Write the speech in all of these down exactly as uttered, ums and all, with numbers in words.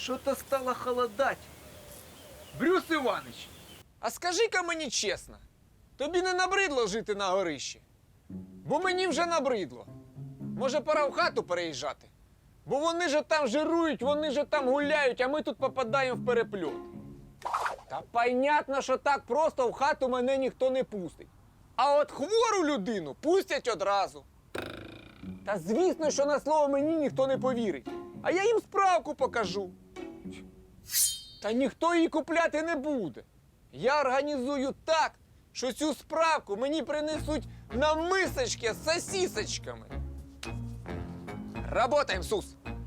Что-то стало холодать. Брюс Іванович, а скажи-ка мені чесно, тобі не набридло жити на горищі? Бо мені вже набридло. Може, пора в хату переїжджати? Бо вони же там жирують, вони же там гуляють, а ми тут попадаємо в перепльот. Та понятно, що так просто в хату мене ніхто не пустить. А от хвору людину пустять одразу. Та звісно, що на слово мені ніхто не повірить. А я їм справку покажу. Та ніхто її купляти не буде. Я організую так, що цю справку мені принесуть на мисочки з сосисочками. Работаємо, Сус!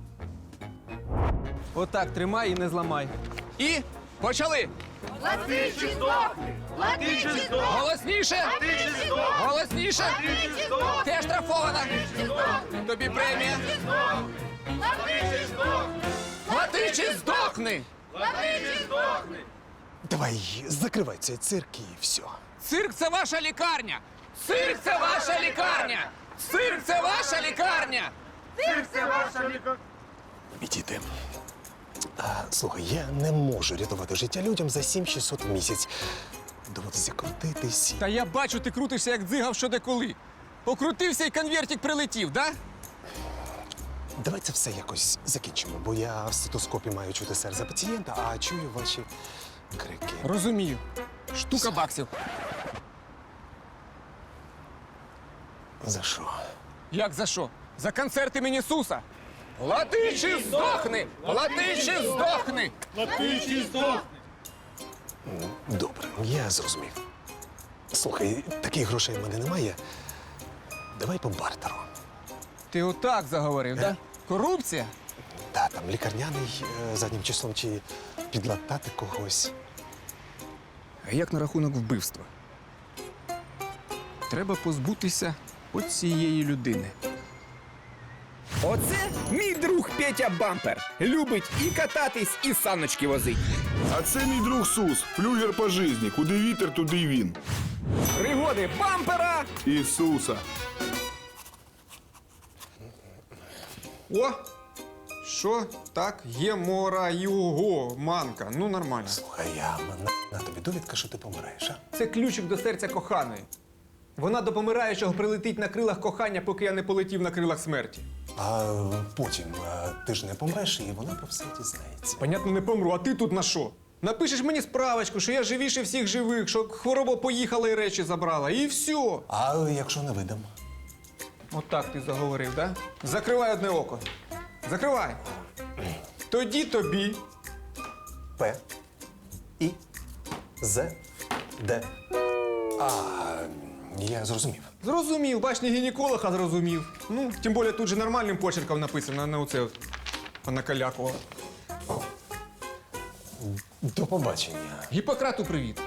Отак, тримай і не зламай. І почали! Плати чи здохни! Плати чи здохни! Голосніше! Плати чи здохни! Голосніше! Плати чи здохни! Ти оштрафована! Чи здохни! Тобі премія! Плати чи здохни! Плати чи здохни! Плати чи здохни! Давай, закривай цей цирк і все. Цирк – це ваша лікарня! Цирк – це ваша лікарня! Цирк – це ваша лікарня! Цирк це ваша лікарня! Відійди. А, слухай, я не можу рятувати життя людям за сім шістсот в місяць. Доводиться крутитись. Та я бачу, ти крутишся, як дзигав що деколи. Покрутився і конвертик прилетів, да? Давай це все якось закінчимо, бо я в стетоскопі маю чути серце пацієнта, а чую ваші крики. Розумію. Штука баксів. За що? Як за що? За концерти імені Суса. Плати чи здохни! Плати чи здохни! Плати чи здохни! Добре, я зрозумів. Слухай, таких грошей в мене немає. Давай по бартеру. Ти отак заговорив, да? Корупція? Та, там лікарняний е, заднім числом чи підлатати когось. А як на рахунок вбивства? Треба позбутися оцієї людини. Оце мій друг Петя Бампер. Любить і кататись, і саночки возить. А це мій друг Сус, флюгер по житті. Куди вітер, туди й він. Пригоди бампера. Ісуса. О! Що? Так, є мора його манка. Ну, нормально. Слухай, я на, на тобі довідка, що ти помираєш, а? Це ключик до серця коханої. Вона до помираючого прилетить на крилах кохання, поки я не полетів на крилах смерті. А потім а, ти ж не помреш, і вона про все дізнається. Понятно, не помру, а ти тут на що? Напишеш мені справочку, що я живіше всіх живих, що хвороба поїхала і речі забрала, і все. А якщо не видам? Отак ти заговорив, да? Закривай одне око. Закривай. Тоді тобі. П. І. З. Д. А, я зрозумів. Зрозумів, бач, не гінеколог, а зрозумів. Ну, тим більше тут же нормальним почерком написано, а не оце от накалякувало. До побачення. Гіппократу привіт.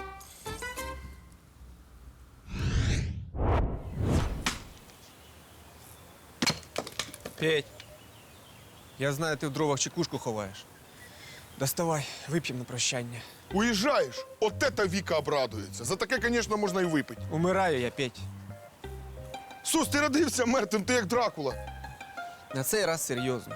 Петь, я знаю, ти в дровах чекушку ховаєш. Доставай, вип'ємо на прощання. Уїжджаєш? От это Віка обрадується. За таке, звісно, можна і випити. Умираю я, Петь. Сус, ти родився мертвим, ти як Дракула. На цей раз серйозно.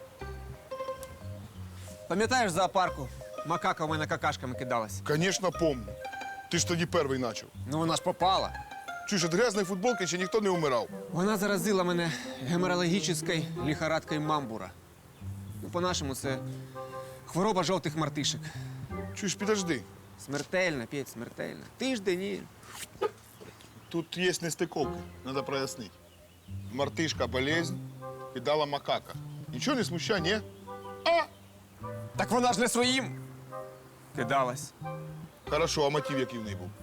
Пам'ятаєш в зоопарку? Макака в мене какашками кидалась. Звісно, помню. Ти ж тоді перший почав. Ну вона ж попала. Чуєш, від грязної футболки ще ніхто не умирав. Вона заразила мене геморрагічною лихорадкою мамбура. Ну, по-нашому, це хвороба жовтих мартишек. Чуєш, підожди. Смертельна, Петь, смертельна. Тиждень і... Тут є нестиковки, треба прояснити. Мартишка – болезнь, кидала макака. Нічого не смущає, ні? А! Так вона ж не своїм кидалась. Хорошо, а мотив який в неї був?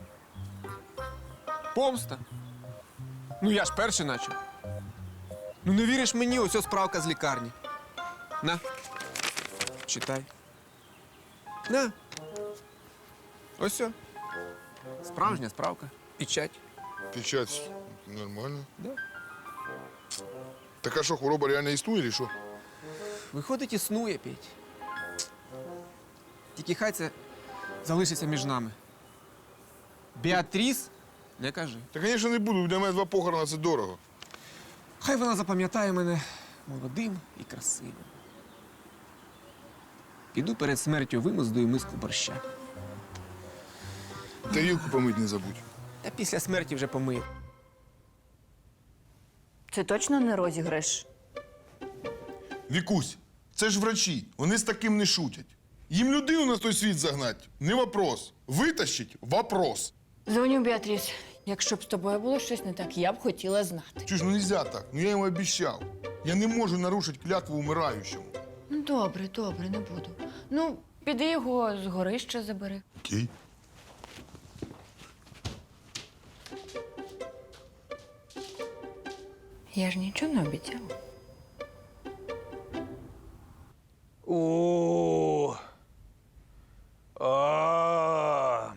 Помста. Ну я ж перший начав. Ну не віриш мені, ось ось справка з лікарні. На, читай. На. Ось о. Справжня справка. Печать. Печать нормально. Да. Так а що, хвороба реально існує, чи що? Виходить, існує, Петь. Тільки хай це залишиться між нами. Біатріс не кажи. Та, звісно, не буду, для мене два похорона – це дорого. Хай вона запам'ятає мене молодим і красивим. Піду перед смертю вимоздую миску борща. Тарілку помить не забудь. Та після смерті вже помию. Це точно не розіграш? Вікусь, це ж врачі, вони з таким не шутять. Їм людину на той світ загнать – не вопрос. Витащить – вопрос. Дзвоню, Біатріс. Якщо б з тобою було щось не так, я б хотіла знати. Чуєш, ну нельзя так, ну я йому обіцяв. Я не можу нарушити клятву умираючому. Ну, добре, добре, не буду. Ну, піди його з горища забери. Окей. Я ж нічого не обіцяла. О. А.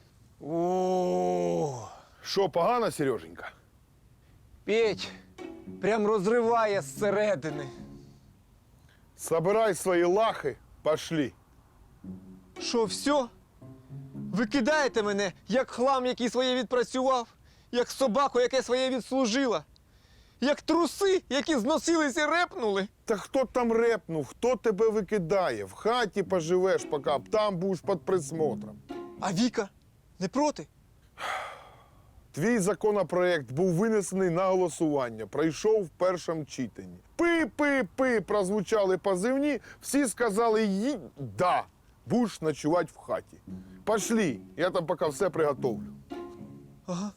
О. Що, погано, Сереженька? Петь, прям розриває зсередини. Собирай свої лахи, пошли. Що, все? Ви кидаєте мене, як хлам, який своє відпрацював, як собаку, яке своє відслужила, як труси, які зносились і репнули. Та хто там репнув, хто тебе викидає? В хаті поживеш, поки там будеш під присмотром. А Віка не проти? Твій законопроект був винесений на голосування, пройшов в першому читанні. Пи-пи-пи прозвучали позивні, всі сказали «Ї, да, будеш ночувати в хаті». Пошли, я там поки все приготовлю. Ага.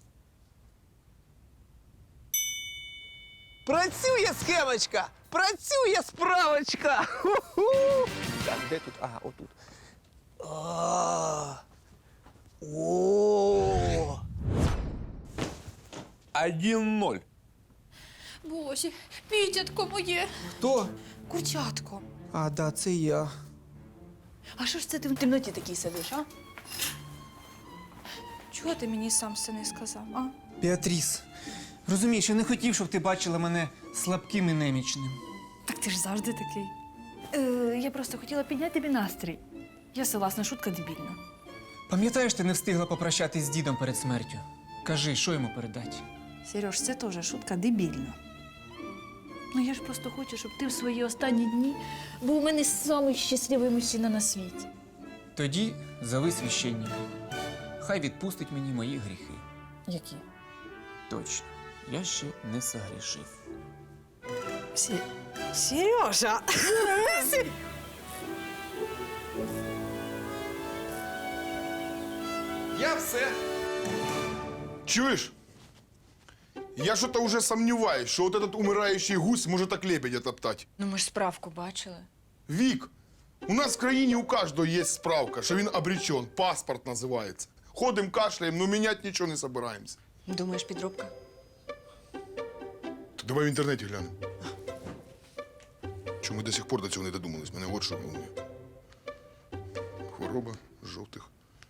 Працює схемочка! Працює справочка! Ху-ху! Так, де тут? Ага, отут. А. О. один ноль. Боже, пітятко моє, Хто? курчатко. А, да, це я. А що ж це ти в темноті такий сидиш, а? Чого ти мені сам все не сказав, а? Біатріс, розумієш, я не хотів, щоб ти бачила мене слабким і немічним. Так ти ж завжди такий. Е, я просто хотіла підняти тобі настрій. Я согласна, шутка дебільна. Пам'ятаєш, ти не встигла попрощатись з дідом перед смертю? Кажи, що йому передати? Сереж, це теж шутка дебільна. Ну я ж просто хочу, щоб ти в свої останні дні був у мене самий щасливий мужчина на світі. Тоді зови священника. Хай відпустить мені мої гріхи. Які? Точно, я ще не согрішив. Сі... Сережа! Я все. Чуєш? Я что-то уже сомневаюсь, что вот этот умирающий гусь может так лебедя топтать. Ну, ми ж справку бачили. Вик, у нас в країні у каждого есть справка, что він обречен, паспорт называется. Ходим, кашляем, но менять ничего не собираемся. Думаєш, підробка? То давай в інтернеті глянемо. Чому ми до сих пор до цього не додумались? Мене от що волнує. Хвороба жовтих.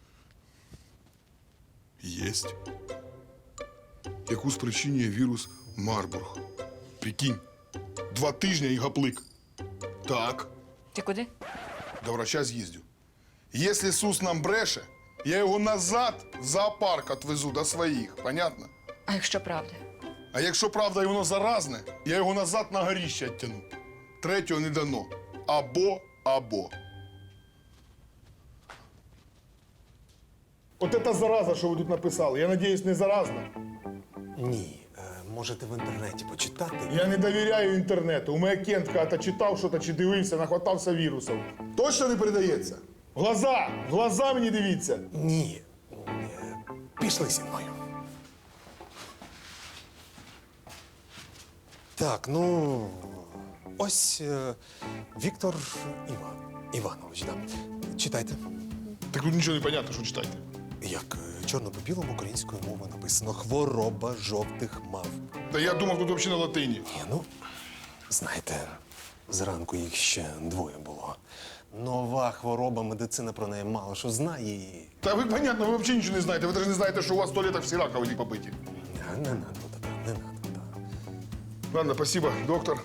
Єсть. Яку спричинює вірус Марбург. Прикинь, два тижні і гаплик. Так, Ти куди? до врача з'їздю. Якщо Сус нам бреше, я його назад в зоопарк отвезу до своїх. Понятно? А якщо правда? А якщо правда і воно заразне, я його назад на горіще оттяну. Третього не дано. Або, або. От це зараза, що ви тут написали. Я надіюсь, не заразна. Ні, е, можете в інтернеті почитати. Я не довіряю інтернету. У мене Кент та читав щось чи дивився, нахватався вірусів. Точно не передається? В глаза! В глаза мені дивіться! Ні. Е, Пішли зі мною. Так, ну. Ось е, Віктор Іван, Іванович, да. Читайте. Так тут нічого не понятно, що читайте. Як е, чорно по білому українською мовою написано хвороба жовтих мавп. Та я думав, тут взагалі на латині. Ні, ну, знаєте, зранку їх ще двоє було. Нова хвороба, медицина про неї мало що знає і. Та ви, понятно, ви взагалі нічого не знаєте. Ви навіть не знаєте, що у вас в туалетах всі раковини побиті. Не, не надо, та, не надо. Та. Ладно, спасибо, доктор.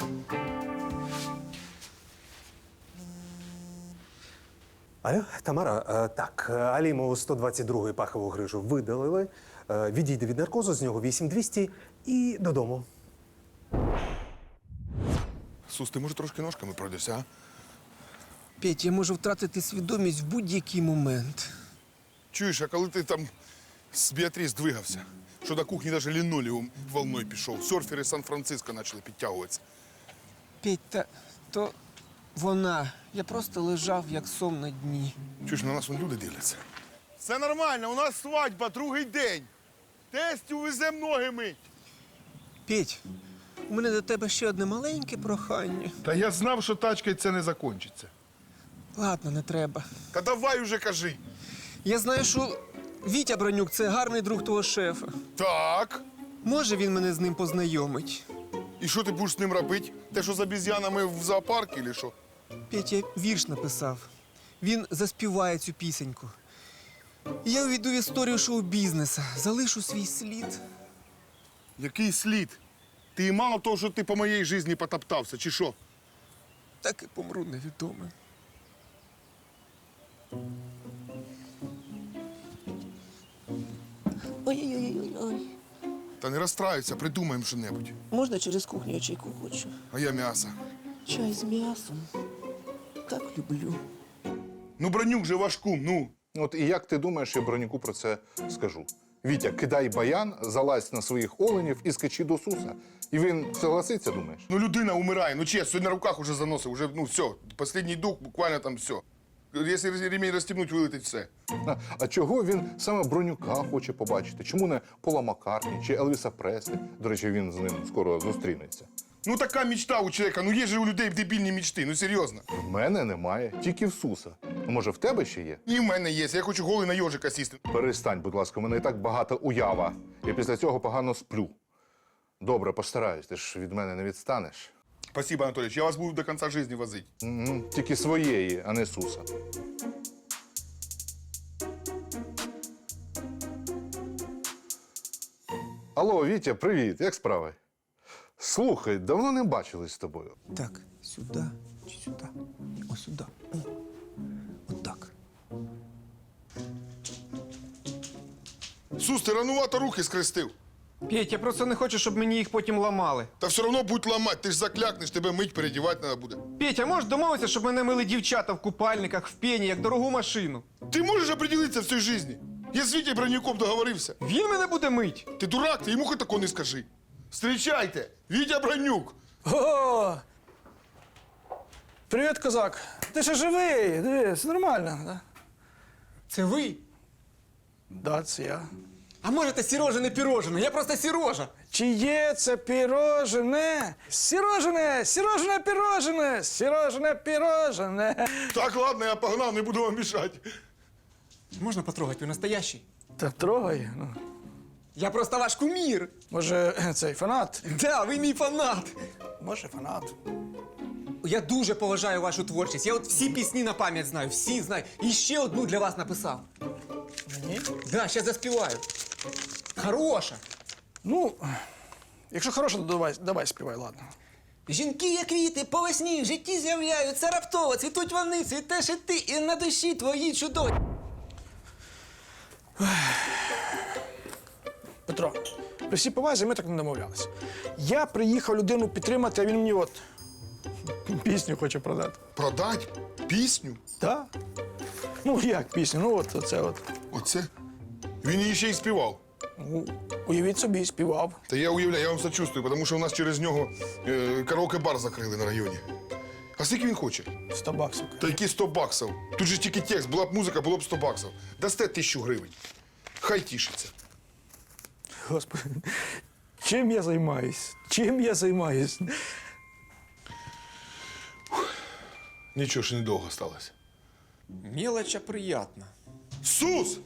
Алло, Тамара, е, так, Алімову сто двадцять другу пахову грижу видалили, е, відійде від наркозу, з нього вісім двісті і додому. Сус, ти може трошки ножками пройдешся, а? Петь, я можу втратити свідомість в будь-який момент. Чуєш, а коли ти там з Біатріс двигався, що до кухні навіть лінолеум волною пішов, серфери Сан-Франциско почали підтягуватися. Петь, та то вона. Я просто лежав, як сом на дні. Чуєш, на нас вон люди дивляться. Все нормально, у нас свадьба, другий день. Тестю везем ноги мить. Петь, у мене до тебе ще одне маленьке прохання. Та я знав, що тачкою це не закінчиться. Ладно, не треба. Та давай уже кажи. Я знаю, що Вітя Бронюк – це гарний друг твого шефа. Так. Може, він мене з ним познайомить? І що ти будеш з ним робити? Те, що з обіз'янами в зоопарку, чи що? Петь, я вірш написав. Він заспіває цю пісеньку. І я увійду в історію шоу-бізнесу, залишу свій слід. Який слід? Ти і мало того, що ти по моїй житті потоптався, чи що? Так і помру невідомим. Ой-ой-ой. Та не розстраюйся, придумаємо що-небудь. Можна через кухню, я чайку хочу? А я м'ясо. Чай з м'ясом. Так люблю. Ну, Бронюк же ваш кум, ну. От і як ти думаєш, я Бронюку про це скажу? Вітя, кидай баян, залазь на своїх оленів і скачи до Суса. І він согласиться, думаєш? Ну, людина умирає, ну чесно, сьогодні на руках уже заносив, уже, ну, все. Останній дух, буквально там все. Якщо ремінь розстібнуть, вилетить все. А, а чого він саме Бронюка хоче побачити? Чому не Пола Маккартні чи Елвіса Преслі? До речі, він з ним скоро зустрінеться. Ну, така мечта у чоловіка, ну є же у людей дебільні мечти, ну серйозно. В мене немає, тільки в Суса. Ну, може, в тебе ще є? І в мене є, я хочу голий на йожика сісти. Перестань, будь ласка, у мене і так багата уява. Я після цього погано сплю. Добре, постараюсь, ти ж від мене не відстанеш. Спасибо, Анатолійович, я вас буду до кінця життя возити. Угу. Тільки своєї, а не Суса. Алло, Вітя, привіт, як справи? Слухай, давно не бачились з тобою. Так, сюди чи сюди? Ось сюди. О, отак. Сус, ти ранувато руки скрестив. Петь, я просто не хочу, щоб мені їх потім ламали. Та все одно будь ламати, ти ж заклякнеш, тебе мить передівати треба буде. Петь, а можеш домовитися, щоб мене мили дівчата в купальниках, в пені, як дорогу машину? Ти можеш определитися в цій житті? Я з Вітєю Бронюком договорився. Він мене буде мить. Ти дурак, ти йому хоч такого не скажи. Встрічайте, Вітя Бронюк. О! Привіт, козак. Ти ще живий? Дивись, нормально, да? Це ви? Да, це я. А може, це Сірожине пірожине? Я просто Сірожа. Чи є це пірожене? Сірожене, сірожене пірожене, сірожене пірожене. Так, ладно, я погнав, не буду вам мішати. Можна потрогати, ви настоящий? Та трогай. Ну. Я просто ваш кумір. Може, цей фанат? Да, ви мій фанат. Може, фанат. Я дуже поважаю вашу творчість. Я от всі пісні на пам'ять знаю, всі знаю. І ще одну для вас написав. Мені? Да, ще заспіваю. Хороша. Ну, якщо хороше, то давай, давай співай, ладно. Жінки, як квіти, по весні в житті з'являються раптово, цвітуть вони, цвітеш і ти, і на душі твої чудові. Петро, при всій повазі ми так не домовлялися. Я приїхав людину підтримати, а він мені от пісню хоче продати. Продать пісню? Так? Ну, як пісню? Ну, от оце от. Оце? Він її ще й співав. Ну, уявіть собі, співав. Та я уявляю, я вам сочувствую, тому що у нас через нього е, караоке-бар закрили на районі. А скільки він хоче? Сто баксів. Та які сто баксів? Тут же тільки текст, була б музика, було б сто баксів. Дасте тисячу гривень. Хай тішиться. Господи, чим я займаюсь? Чим я займаюсь? Нічого ж недовго сталося. Мелочь, а приятно. Сус!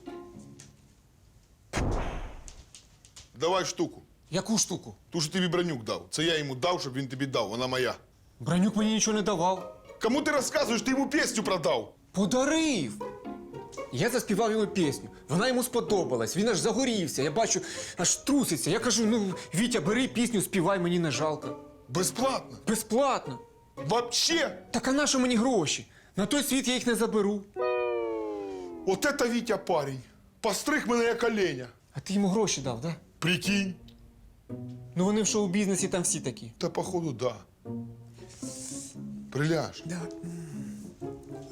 Давай штуку. Яку штуку? Ту, що тобі Бронюк дав. Це я йому дав, щоб він тобі дав. Вона моя. Бронюк мені нічого не давав. Кому ти розказуєш? Ти йому пісню продав. Подарив! Я заспівав йому пісню. Вона йому сподобалась. Він аж загорівся. Я бачу, аж труситься. Я кажу: ну, Вітя, бери пісню, співай, мені не жалко. Безплатно. Безплатно. Вообще. Так а на що мені гроші? На той світ я їх не заберу. От это Вітя парень. Постриг мене як оленя. А ти йому гроші дав, да? Прикинь. Ну вони в шоу-бізнесі там всі такі. Та походу, да. Приляж. Да.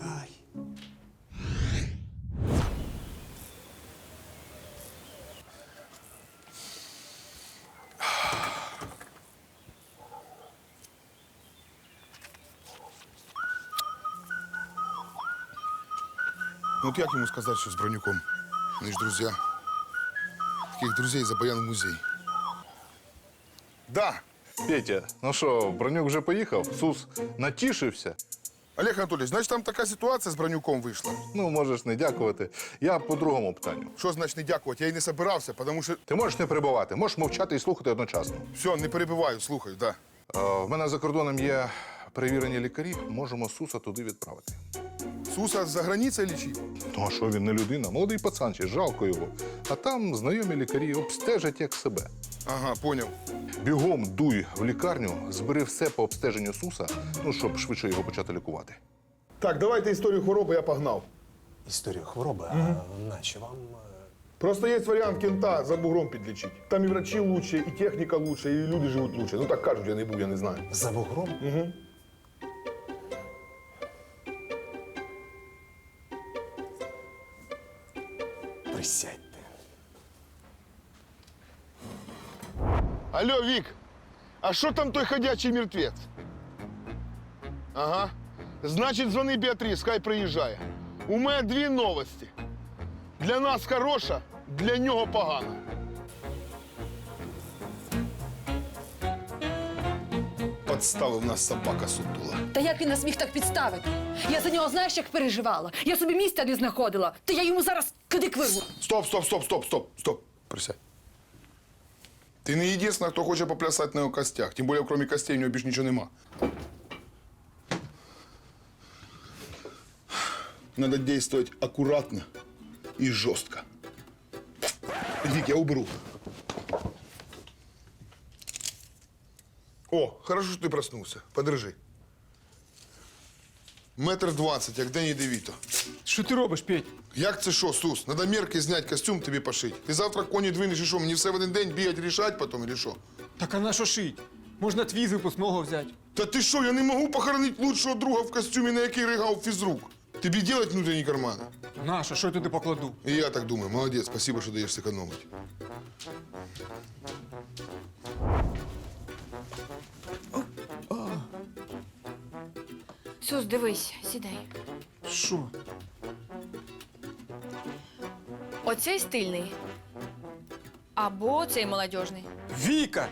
Ну от як йому сказати, що з Бронюком? Вони ж друзі. Таких друзей за Баян в музей. Да, Петя, ну що, Бронюк вже поїхав? Сус натішився? Олег Анатольевич, значить там така ситуація з Бронюком вийшла. Ну, можеш не дякувати. Я по другому питанню. Що значить не дякувати? Я й не собирався, тому що... Ти можеш не перебувати, можеш мовчати і слухати одночасно. Все, не перебиваю, слухаю, да. Е, в мене за кордоном є перевірені лікарі, можемо Суса туди відправити. Суса за границею лічив? Ну, а що він не людина? Молодий пацан, ще жалко його. А там знайомі лікарі обстежать як себе. Ага, поняв. Бігом дуй в лікарню, збери все по обстеженню Суса, ну, щоб швидше його почати лікувати. Так, давайте історію хвороби, я погнав. Історію хвороби, а наче вам. е, Просто є варіант кента за бугром підлічити. Там і врачі лучше, і техніка лучше, і люди живуть лучше. Ну так кажуть, я не був, я не знаю. За бугром? Угу. Присядьте. Алло, Вік, а що там той ходячий мертвець? Ага. Значить, дзвони Біатріс, хай приїжджає. У мене дві новості. Для нас хороша, для нього погана. Подставив нас собака сутула. Та як він нас міг так підставити? Я за нього знаєш, як переживала. Я собі місця не знаходила. Та я йому зараз кидик вирву. Стоп, стоп, стоп, стоп, стоп, стоп. Присядь. Ти не єдина, хто хоче поплясати на його костях. Тим більше, крім костей, у нього більше нічого нема. Надо действовать аккуратно и жестко. Вик, я уберу. О, хорошо, что ты проснулся. Подержи. Метр двадцять, як Дені Девіто. Що ти робиш, Петь? Як це що, Сус? Надо мерки зняти, костюм тобі пошити. Ти завтра коні двинеш і що, мені все в один день бігати, рішати потім, или що? Так а на що шить? Можна твій з випускного взяти. Та ти що, я не можу похоронити лучшого друга в костюмі, на який ригав фізрук. Тобі делать внутрішні кармани? Наша, що я туди покладу? І я так думаю. Молодець, спасибо, що даєш зекономити. Сус, дивись, сідай. Що? Оцей стильний. Або цей молодіжний. Віка!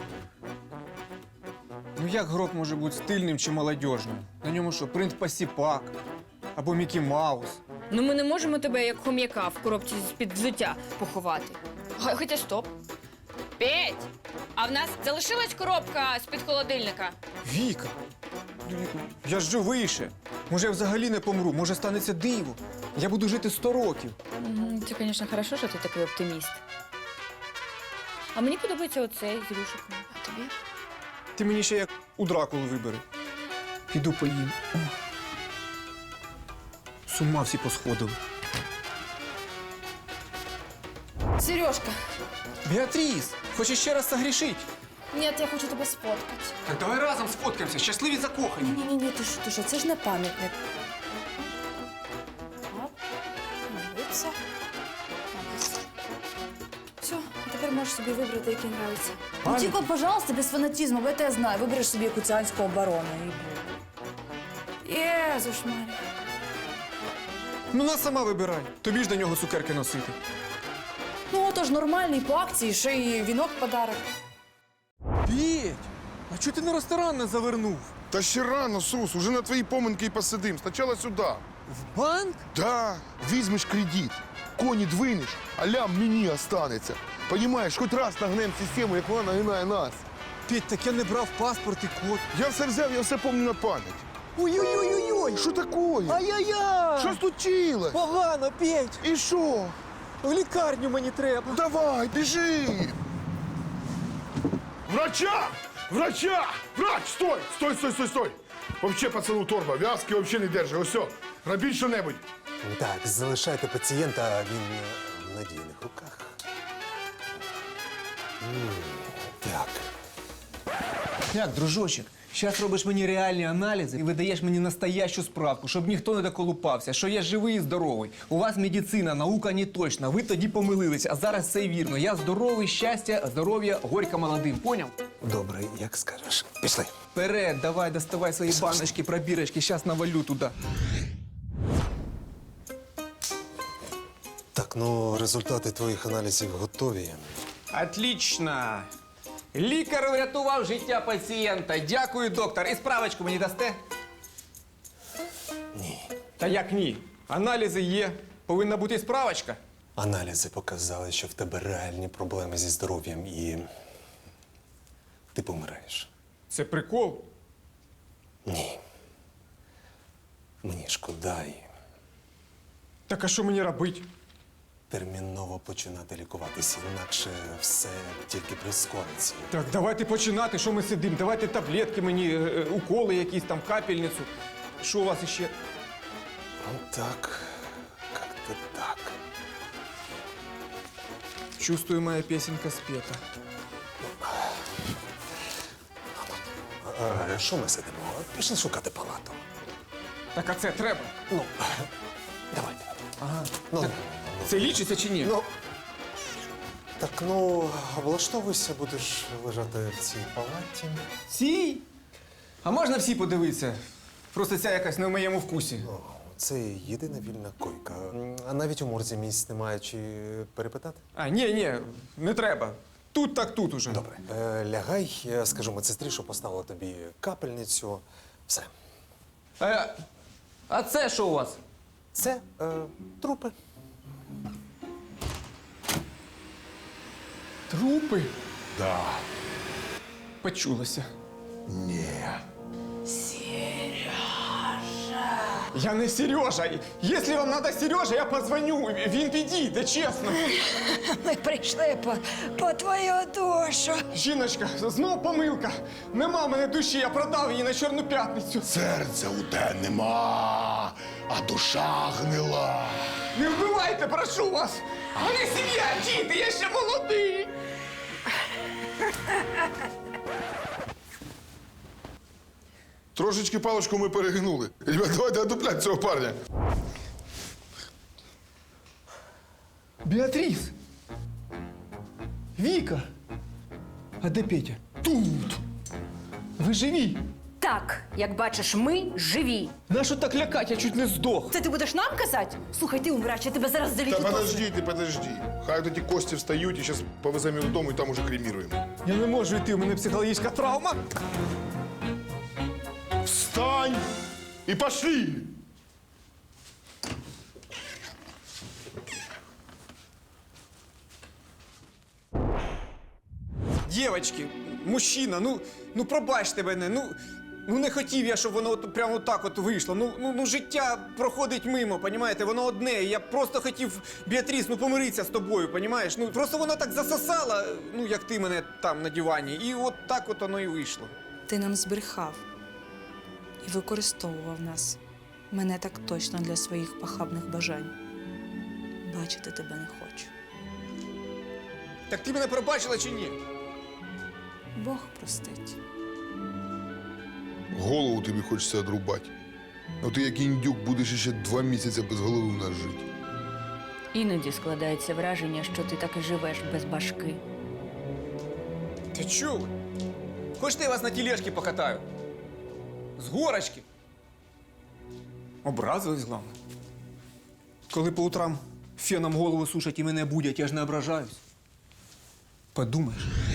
Ну як гроб може бути стильним чи молодіжним? На ньому що, принт Пасіпак? Або Мікі Маус? Ну ми не можемо тебе як хом'яка в коробці з-під взуття поховати. Х- Хоча стоп. Петь! А в нас залишилась коробка з-під холодильника. Віка! Ну, я ж живий ще. Може, я взагалі не помру, може станеться диво. Я буду жити сто років. Мгм, Це, звісно, хорошо, що ти такий оптиміст. А мені подобається оцей з рюшиком. А тобі? Ти мені ще як у Дракулу вибери. Піду поїм. О. З ума всі посходили. Сережка. Біатріс, хочеш ще раз согрішить? Ні, я хочу тебе сфоткати. Так давай разом сфоткаємося, щасливі закохані. Ні, ні, ні, ти що, ти що, це ж не пам'ятник. Оп, дивиться. Все, а тепер можеш собі вибрати, який нравиться. Ну тільки, пожалуйста, без фанатизму, бо я тебе знаю. Вибереш собі куцянського барона і буде. Єзуш Марія. Ну нас сама вибирай. Тобі ж до нього цукерки носити. Ну, отож нормальний, по акції, ще й вінок в подарок. Петь, а чого ти на ресторан не завернув? Та ще рано, Сус, уже на твої поминки і посидим. Спочатку сюди. В банк? Да, візьмеш кредит, коні двинеш, а лям мені останеться. Понімаєш, хоч раз нагнем систему, як вона нагинає нас. Петь, так я не брав паспорт і код. Я все взяв, я все пам'ятаю на пам'ять. Ой-ой-ой-ой! Що такое? Ай-яй-яй! Що случилось? Погано, Петь! І що? В лікарню мені треба. Давай, біжи! Врача! Врача! Врач! Стой! Стой, стой, стой, стой! Вообще, пацану торба, в'язки вообще не держи. Ось все, робіть що-небудь. Так, залишайте пацієнта, він е, в надійних руках. М, Так. Як, дружочек, зараз робиш мені реальні аналізи і видаєш мені настоящу справку, щоб ніхто не доколупався, що я живий і здоровий. У вас медицина, наука не точна, ви тоді помилились, а зараз все вірно. Я здоровий, щастя, здоров'я, горько молодим. Поняв? Добре, як скажеш. Пішли. Вперед, давай, доставай свої баночки, пробірочки, зараз навалю туди. ну результати твоїх аналізів готові. Отлично. Лікар врятував життя пацієнта. Дякую, доктор. І справочку мені дасте? Ні. Та як ні? Аналізи є. Повинна бути і справочка. Аналізи показали, що в тебе реальні проблеми зі здоров'ям і ти помираєш. Це прикол. Ні. Мені шкода і Так а що мені робити? терміново починати лікуватися, інакше все тільки прискориться. Так, давайте починати. Що ми сидимо? Давайте таблетки мені, е, е, уколи якісь там, капельницю. Що у вас іще? Ну так, як-то так. Чувствую, моя песенка спета. А, що ми сидимо? Пішли шукати палату. Так а це треба? Ну, давайте. Ага. Ну, Це лічиться чи ні? ну, так, ну, влаштовуйся, будеш лежати в цій палаті. Всі? А можна всі подивитися? Просто ця якась не в моєму вкусі. Ну, це єдина вільна койка. М, А навіть у морзі місць немає, чи перепитати? А, ні, ні, не треба. Тут так тут уже. Добре. Е, лягай, я скажу медсестрі, що поставила тобі капельницю. Все. Е, а це що у вас? Це е, трупи. Трупи? Да. Почулося. Ні. Я не Сережа. Якщо вам треба Сережа, я позвоню. Він підійде, чесно. Ми прийшли по, по твою душу. Жіночка, знов помилка. Нема в мене душі, я продав її на Чорну п'ятницю. Серця у тебе нема, а душа гнила. Не вбивайте, прошу вас. У мене сім'я, діти, я ще молодий. Трошечки паличку ми перегнули. Ребят, давайте одуплять цього парня. Біатріс. Віка. А де Петя? Тут. Ви живі? Так, як бачиш, ми живі. Нащо так лякать? Я чуть не здох. Це ти будеш нам казати? Слухай, ти умирач, я тебе зараз Та залічу. подожди, ти подожди. Хай от ті кості встають і зараз повеземо їх додому і там уже креміруємо. Я не можу йти, у мене психологічна травма. Встань і пошли! Дівочки, мужчина, ну, ну пробачте мене, ну, ну не хотів я, щоб воно от, прямо так от вийшло. Ну, ну, ну життя проходить мимо, понімаєте, воно одне. Я просто хотів, Біатріс, ну помиритися з тобою, понімаєш? Ну просто воно так засосало, ну як ти мене там на дивані, і от так от воно і вийшло. Ти нам збрехав і використовував нас. Мене так точно для своїх похабних бажань. Бачити тебе не хочу. Так ти мене пробачила чи ні? Бог простить. Голову тобі хочеться одрубати. Ну ти як індюк будеш ще два місяці без голови в нас жити. Іноді складається враження, що ти так і живеш без башки. Ти чули? Хочете, я вас на тележці покатаю? З горочки. Образились, головне. Коли по утрам феном голову сушать і мене будять, я ж не ображаюсь. Подумаєш.